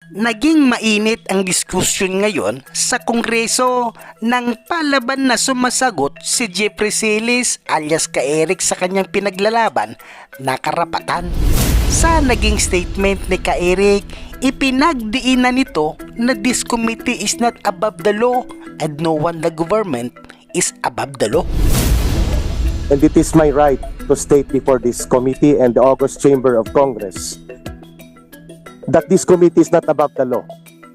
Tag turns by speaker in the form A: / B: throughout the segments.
A: Naging mainit ang diskusyon ngayon sa Kongreso nang palaban na sumasagot si Jeffrey Silis alias Ka-Eric sa kanyang pinaglalaban na karapatan. Sa naging statement ni Ka-Eric, ipinagdiinan nito na this committee is not above the law and no one the government is above the law.
B: And it is my right to state before this committee and the August Chamber of Congress that this committee is not above the law.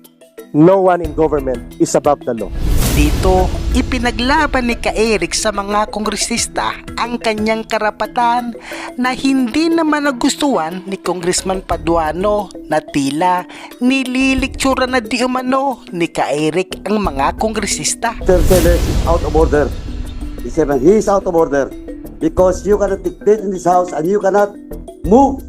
B: No one in government is above the law.
A: Dito, ipinaglaban ni Ka-Eric sa mga kongresista ang kanyang karapatan na hindi naman nagustuhan ni Congressman Paduano na tila nililiktsura na di umano ni Ka-Eric ang mga kongresista.
C: Mr. Sellers is out of order. He is out of order because you cannot dictate in this house and you cannot move.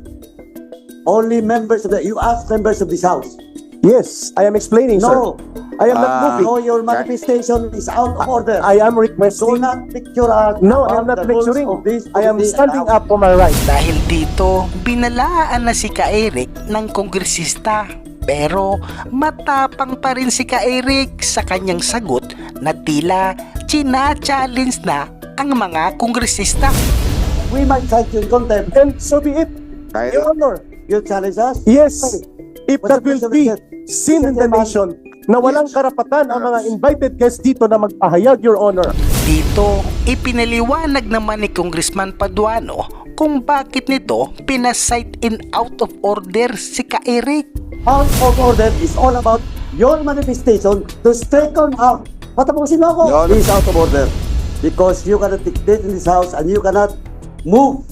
C: Only members of you ask members of this house.
B: Yes, I am explaining,
C: No.
B: sir. I am not moving.
C: No, your manifestation is out of order.
B: I am
C: Do
B: requesting.
C: not picture out.
B: No, I am not lecturing. I am standing up for my right.
A: Dahil dito, binalaan na si Ka-Eric ng kongresista. Pero matapang pa rin si Ka-Eric sa kanyang sagot na tila china-challenge na ang mga kongresista.
C: We might cite you in contempt.
B: And so be it, Your Honor.
C: You challenge us?
B: Yes, if
C: What's
B: that
C: the
B: will
C: question
B: be
C: again?
B: sin in the nation na walang karapatan ang mga invited guests dito na magpahayag, Your Honor.
A: Dito, ipinaliwanag naman ni Congressman Paduano kung bakit nito pinasight in out of order si Ka-Eric.
C: Out of order is all about your manifestation to straighten out. Patapusin mo ako. He is out of order because you cannot dictate in this house and you cannot move.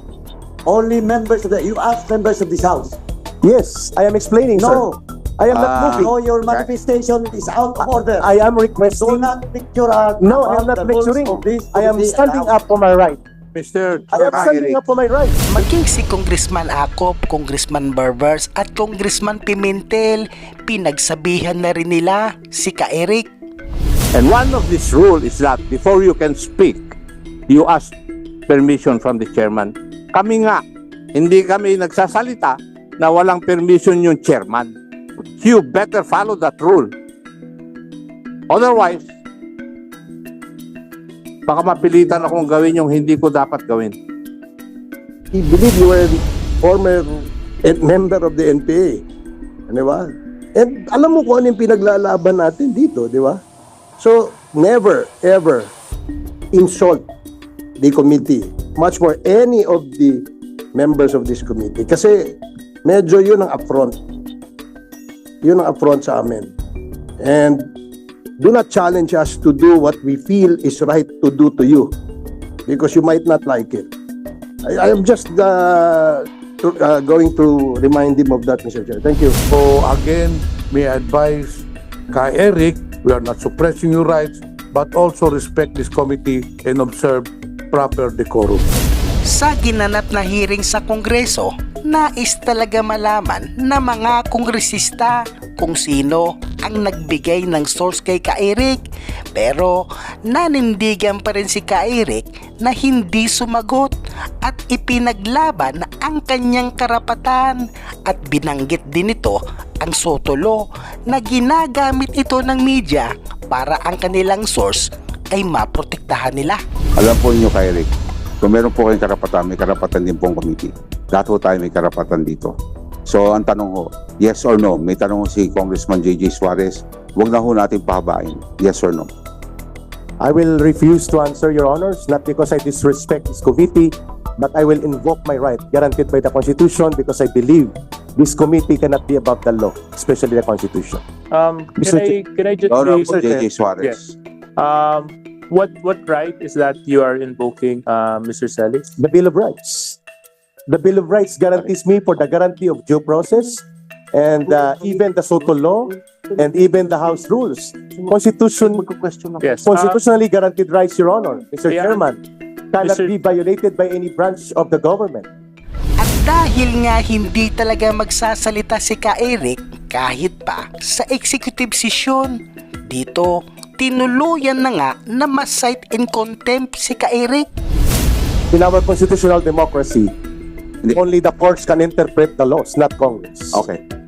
C: Only members of you ask members of this house.
B: Yes, I am explaining,
C: No.
B: sir. I am not moving.
C: No, your manifestation is out of order.
B: I am
C: Do
B: requesting.
C: not picture out.
B: No, I am
C: about
B: not
C: the rules
B: lecturing.
C: of this
B: I am
C: committee
B: standing
C: and
B: up for my right.
D: Mr.
B: I am standing up for my right.
A: Maging si Congressman Acop, Congressman Barbers at Congressman Pimentel, pinagsabihan na rin nila si Ka-Eric.
D: And one of this rule is that before you can speak, you ask permission from the chairman. Kami nga, hindi kami nagsasalita na walang permission yung chairman. You better follow that rule. Otherwise, baka mapilitan akong gawin yung hindi ko dapat gawin.
B: I believe you were a former member of the NPA. Di ba? And alam mo kung ano yung pinaglalaban natin dito, di ba? So, never, ever insult the committee. Much more any of the members of this committee. Kasi medyo yun ang affront. Yun ang affront sa amin. And do not challenge us to do what we feel is right to do to you. Because you might not like it. I am just going to remind him of that, Mr. Chair. Thank you.
E: So again, may I advise Ka-Eric, we are not suppressing your rights, but also respect this committee and observe proper decorum.
A: Sa ginanap na hearing sa Kongreso, nais talaga malaman na mga kongresista kung sino ang nagbigay ng source kay Ka-Eric. Pero nanindigan pa rin si Ka-Eric na hindi sumagot at ipinaglaban ang kanyang karapatan at binanggit din ito ang SOTO law na ginagamit ito ng media para ang kanilang source ay maprotektahan nila.
F: Alam po niyo, Ka-Eric, kung meron po kayong karapatan, may karapatan din pong committee. Lahat po tayo may karapatan dito. So, ang tanong ho, yes or no? May tanong ho si Congressman J.J. Suarez, huwag na ho natin pahabain. Yes or no?
B: I will refuse to answer, Your Honors, not because I disrespect this committee, but I will invoke my right guaranteed by the Constitution because I believe this committee cannot be above the law, especially the Constitution. Mr.
G: Can I just
F: No, no,
G: Mr.
F: J.J.
G: Chair?
F: Suarez.
G: What right is that you are invoking, Mr. Celis?
B: The Bill of Rights. The Bill of Rights guarantees me for the guarantee of due process and even the SOTO law and even the House rules.
G: Yes.
B: Constitutionally guaranteed rights, Your Honor, Mr.
G: Yeah.
B: Chairman, cannot
G: Mr.
B: be violated by any branch of the government.
A: At dahil nga hindi talaga magsasalita si Ka-Eric kahit pa sa executive session, dito tinuluyan na nga na ma-cite in contempt si Ka-Eric.
B: In our constitutional democracy, only the courts can interpret the laws, not Congress.
F: Okay.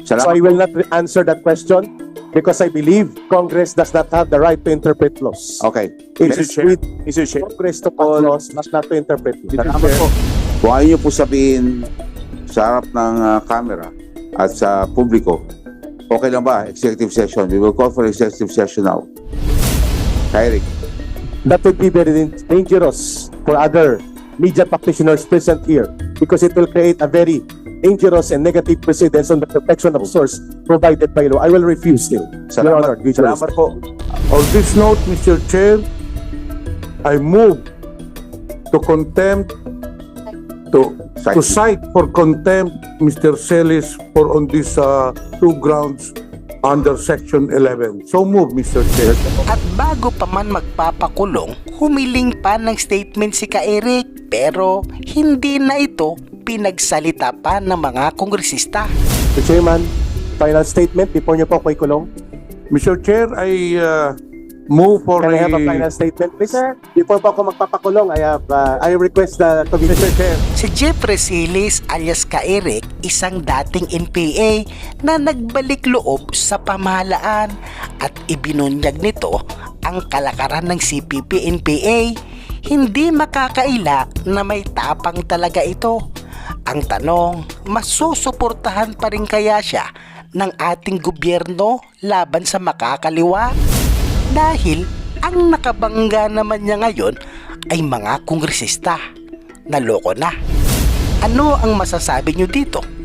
H: So I
F: Salamat.
H: will not answer that question because I believe Congress does not have the right to interpret laws.
F: Okay.
H: It is with
F: Mr. Chair.
H: Congress to pass laws, not to interpret laws.
F: Salamat po. Kung ayaw niyo po sabihin sa harap ng camera at sa publiko, okay lang ba? Executive session. We will call for executive session now. Eric.
H: That would be very dangerous for other media practitioners present here because it will create a very dangerous and negative precedence on the protection of source provided by law. I will refuse still. Your Honor, with your
F: Salamat po.
E: On this note, Mr. Chair, I move to contempt, to cite for contempt Mr. Celis for on these two grounds under Section 11. So move, Mr. Chair.
A: At bago pa man magpapakulong, humiling pa ng statement si Ka-Eric pero hindi na ito pinagsalita pa ng mga kongresista.
H: Mr. Chairman, final statement before niyo po ako ikulong.
E: Mr. Chair, I move for
H: Can I have a final statement, please? Before po ako magpapakulong, I request the committee. Mr. Chair.
A: Si Jeffrey Silis alias Ka-Eric, isang dating NPA na nagbalik loob sa pamahalaan at ibinunyag nito ang kalakaran ng CPP-NPA. Hindi makakaila na may tapang talaga ito. Ang tanong, masusuportahan pa rin kaya siya ng ating gobyerno laban sa makakaliwa? Dahil ang nakabangga naman niya ngayon ay mga kongresista. Naloko na. Ano ang masasabi niyo dito?